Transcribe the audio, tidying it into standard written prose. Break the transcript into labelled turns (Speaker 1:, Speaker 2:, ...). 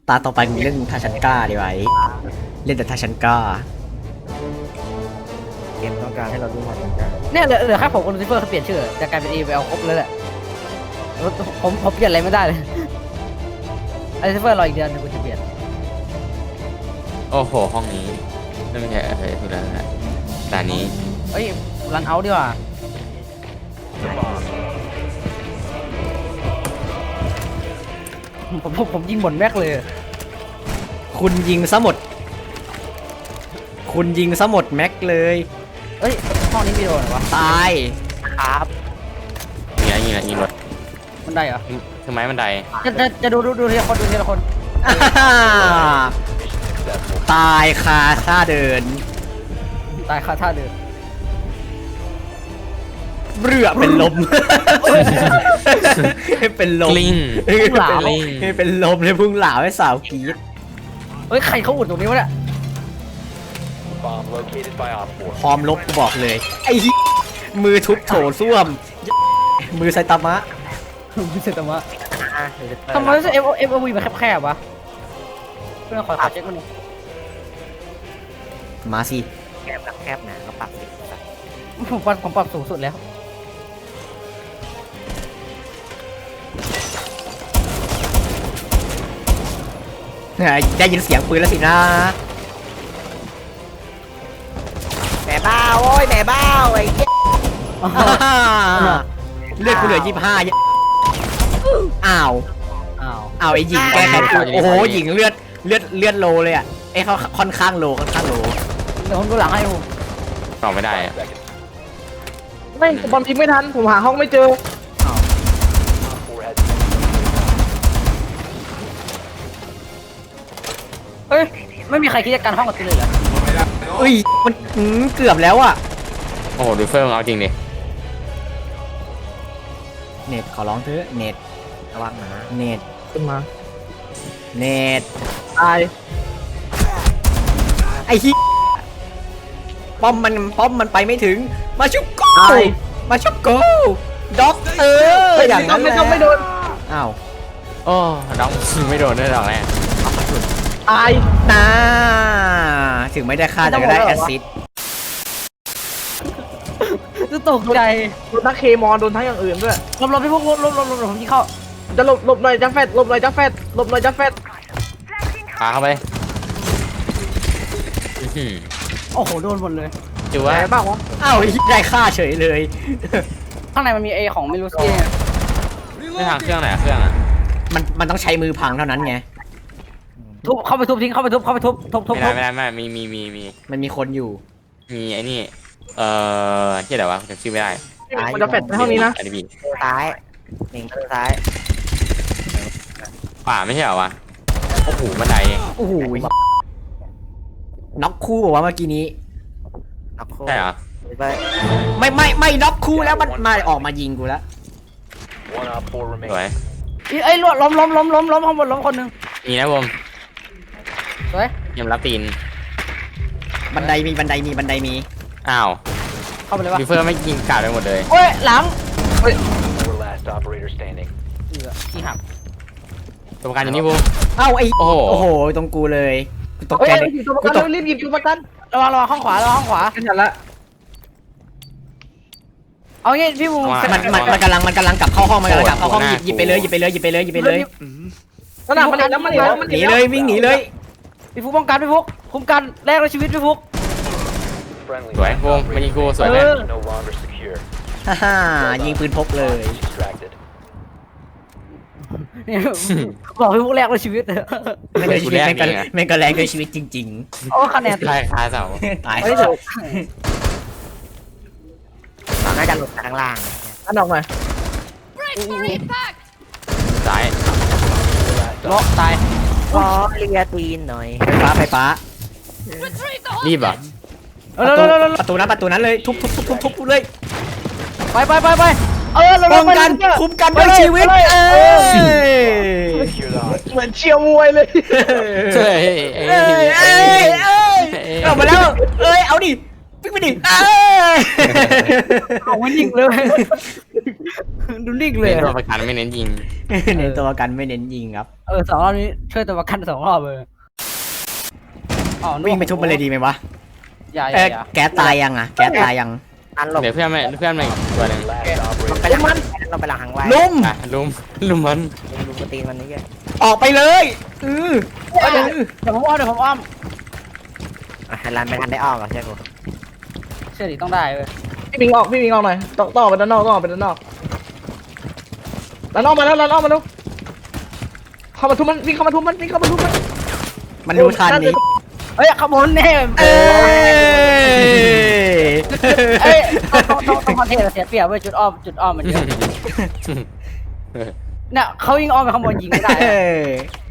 Speaker 1: ตาต่อไปมีเรื่องทาชันก้าดีไว้เล่นแต่ทาชันก้า
Speaker 2: เกมต้องการให้เราดูความต้องการ
Speaker 3: เนี่ยเหลือแค่ผมกับลูซิเฟอร์เขาเปลี่ยนชื่อจะกลายเป็น EVL ครบเลยแหละผมเปลี่ยนอะไรไม่ได้เลยลูซิเฟอร์รออีกเดือนนึงกูจะเปลี่ยน
Speaker 4: โอ้โหห้องนี้นั่นไม่ใช่คือแล้วนะด่านนี้
Speaker 3: เอ้ยรันเอาดีกว่าผมยิงบนแม็กเลย
Speaker 1: คุณยิงซะหมดแม็กเลย
Speaker 3: เอ้ยห้องนี้มีโดนเหรอวะ
Speaker 1: ตาย
Speaker 3: ครับ
Speaker 4: ยิงรถ
Speaker 3: มันได้เหรอ
Speaker 4: คือไม้บันได
Speaker 3: จะดูทีละคนดูทีละคน
Speaker 1: อ่าตายคาท่าเดิน
Speaker 3: ตายคาท่าเดิน
Speaker 1: เรือเป็นลมเป็นลม
Speaker 4: กลิ้ง
Speaker 1: เป็นลมเลยพุ่งหลาวให้สาวกรี๊ด
Speaker 3: เฮ้ยใครเขาอุดตรงนี้วะเนี่ย
Speaker 1: พร้อมลบกูบอกเลยไอ้เหี้ยมือทุบโถส้วมมือไซตามะ
Speaker 3: ไม่ใช่แต่ว่า
Speaker 2: เดี๋ยวจะ
Speaker 3: ทำไมรู้สึก FOV มันแคบๆวะเพื่อนขอเช็คมันหน่อย
Speaker 1: มาสิ
Speaker 2: แคบหนาก็ปรับสิ
Speaker 3: ผมปรับสูงสุดแล้ว
Speaker 1: ได้ยินเสียงปืนแล้วสินะ
Speaker 2: แหม่บ้าโอ้ยแหม่บ้าไอ้เหี้ย
Speaker 1: เลือดกูเหลือ25อ้าว
Speaker 3: อ้าว
Speaker 1: อ้าวไอ้หญิงแกแค่โอ้โหหญิงเลือดโลเลยอ่ะไอ้เขาค่อนข้างโล
Speaker 3: เดี๋ยวผมดูหลังให้ผม
Speaker 4: ต่อไม่ได้อะ
Speaker 2: ไม่บอลพิมพ์ไม่ทันผมหาห้องไม่เจอ
Speaker 3: เอ้ยไม่มีใครคิดจะกันห้องกับตัวเลยเหรอ
Speaker 1: เอ้ยมันเกือบแล้วอ่ะ
Speaker 4: โอ้โหดูเฟิร์มเอาจริงดิ
Speaker 1: เน็ตขอร้องเถอะเน็ต
Speaker 2: ระวังนะ
Speaker 1: เน็ต
Speaker 2: ขึ้นมา
Speaker 1: เน็ต
Speaker 2: ตาย
Speaker 1: ไอ้ที่ป้อมมันไปไม่ถึงมาชุบโกมาชุบโกด็อกเตอร์อย่างนั้นแหละ
Speaker 2: ไม่โดน
Speaker 1: อ้าว
Speaker 4: โอ้น้องไม่โดนด้วยดอกแรก
Speaker 2: ตาย
Speaker 1: น่าถึงไม่ได้ค่าแต่ก็ได้แอสซิสต์
Speaker 3: จะตกใจ
Speaker 2: โดนทั้งเคมอโดนทั้งอย่างอื่นด้วย
Speaker 3: ลบพี่พวกลบผมยิงเข้า
Speaker 2: จะหลบหน่อยจะแฟดหลบหน่อยจะแฟดหลบหน่อยจะแฟด
Speaker 4: พาเข้าไปอื้อหือ
Speaker 3: โอ้โหโดนหมดเลย
Speaker 4: จู
Speaker 2: แห
Speaker 4: ว่า
Speaker 2: ม่บ้าวะ
Speaker 1: อ้าวได้ค่าเฉยเลย
Speaker 3: ข้างในมันมีของไม่รู้สิเนี่ย
Speaker 4: ไม่ทางเครื่องไหนอะเครื่องอะ
Speaker 1: มันต้องใช้มือพังเท่านั้นไง
Speaker 3: ทุบเข้าไปทุบทิ้งเข้าไปทุบทุบ
Speaker 4: ไม่ได้มี
Speaker 1: มันมีคนอยู่
Speaker 4: ไอ้นี่ที่ไหนวะจำชื่อไม่ได้
Speaker 2: มันจะแฟดในห้องนี้นะ
Speaker 4: อันนี้บี
Speaker 2: ซ้ายหนึ่งซ้าย
Speaker 4: ป่าไม่ใช่เหรอวะโอ้โหบันได
Speaker 1: โอ้โหน็อกคู่บอกว่าเมื่อกี้นี้
Speaker 2: นับโค้
Speaker 4: ใช่เหรอ
Speaker 2: ไป
Speaker 1: ไม่น็อกคู่แล้วมันมาออกมายิงกูแล้ว
Speaker 4: สวย
Speaker 3: เอ้ยล้มข้างบนล้มคนหนึ่ง
Speaker 4: มีนะผม
Speaker 3: สวย
Speaker 4: ยำรับตีน
Speaker 1: บันไดมี
Speaker 4: อ้าว
Speaker 3: เข้าไปเลยวะ
Speaker 4: ดูเฟิร์มไม่ยิงกาดไปหมดเลย
Speaker 3: โอ้ยหลัง ที่หัก
Speaker 4: ตัวประกันอยู่นี่บูม
Speaker 1: เอ้าไอ้
Speaker 4: โอ้โห
Speaker 1: โอ้โหตรงกูเลยกูตก
Speaker 2: เฮ้ย
Speaker 1: ใจเลย
Speaker 2: หยิบตัวประกันรีบหยิบตัวประกัน
Speaker 3: ระวังข้างขวาระวังข้างขวา
Speaker 2: กันฉันละ
Speaker 3: เอางี้พี่บู
Speaker 1: มันกำลังกลับเข้าห้องมันกำลังกลับเข้าห้องหยิบไปเลยหยิบไปเลย
Speaker 2: นั่นน่ะมันแล้วมันแล้วมัน
Speaker 1: หนีเลยวิ่งหนีเลย
Speaker 3: พี่ฟุกป้องกันพี่ฟุกคุ้มกันแลกด้วยชีวิตพี่ฟุก
Speaker 4: สวยบูมมายิงกูสวยเลย
Speaker 1: ฮ่าฮ่ายิงปืนพกเลย
Speaker 3: เนี่ยบอกพี่ฟุกแลกด้วยชีวิต
Speaker 1: แม่งเลยชีวิตแม่งก็แรงด้วยชีวิตจริง
Speaker 3: โอ้คะแนน
Speaker 4: ตายคาเสา
Speaker 1: ๆตาย
Speaker 3: ไม่ถูก
Speaker 2: น่าจะหลุดข้างล่างอันออกหน่อย
Speaker 4: ซ้าย
Speaker 3: ล็อกตาย
Speaker 2: ขอเลียตีนหน่อย
Speaker 1: ไฟฟ้า
Speaker 4: รีบเหรอ่ะ
Speaker 1: ประตูนั้นเลยทุบเลย
Speaker 3: ไปเรา
Speaker 1: ป้องกันคุ้มกันด้วยชีวิตเอ้ย
Speaker 2: เหมือนเชียร์มวยเลย
Speaker 4: เฮ้ย
Speaker 1: เอ้ยออกมาแล้วเอ้ยเอาดิวิ่งไปดิเอ้ย
Speaker 3: เอาไม่ยิงเลยดูนิ่งเลย
Speaker 4: เน้นตัวประกันไม่เน้นยิง
Speaker 1: เน้นตัวประกันไม่เน้นยิงครับ
Speaker 3: สองรอบนี้ช่วยตัวประกัน2 รอบเลยอ๋อ
Speaker 1: วิ่งไปทุบมันเลยดีไหมวะ
Speaker 3: อย่า
Speaker 1: แก๊สตายยังอ่ะแก๊สตายยัง
Speaker 2: อันหลบ
Speaker 4: เดี๋ยวเพื่อนมาอีกตัวหนึง
Speaker 2: ไปหลังมันเราไปหลังหางไว้
Speaker 1: ลุม
Speaker 4: อ่ะลุมมัน
Speaker 2: ลุมกระตีนมันนี่แก
Speaker 1: ออกไปเลย
Speaker 3: เดี๋ยวผมอ้อม
Speaker 2: ฮันลันไม่ทันได้ออกอ่ะใช่กู
Speaker 3: เชื่อดิต้องได้เว้ย
Speaker 2: พี่มิงออกหน่อยต้องออกไปด้านนอกต้องออกไปด้านนอกด้านนอกมาแล้วเข้ามาทุบมันวิ่งเข้ามาทุบมัน
Speaker 1: มันดูทันนี้
Speaker 3: เฮ้ยขโมยแน่
Speaker 1: เอ้ย
Speaker 3: เอ้ยต้องคอนเทนต์เสียเปรียบเว้ยจุดอ้อมมันเยอะเนี่ยเขายิงอ้อมไปขโมยยิงไม่ได้
Speaker 1: เอ้ย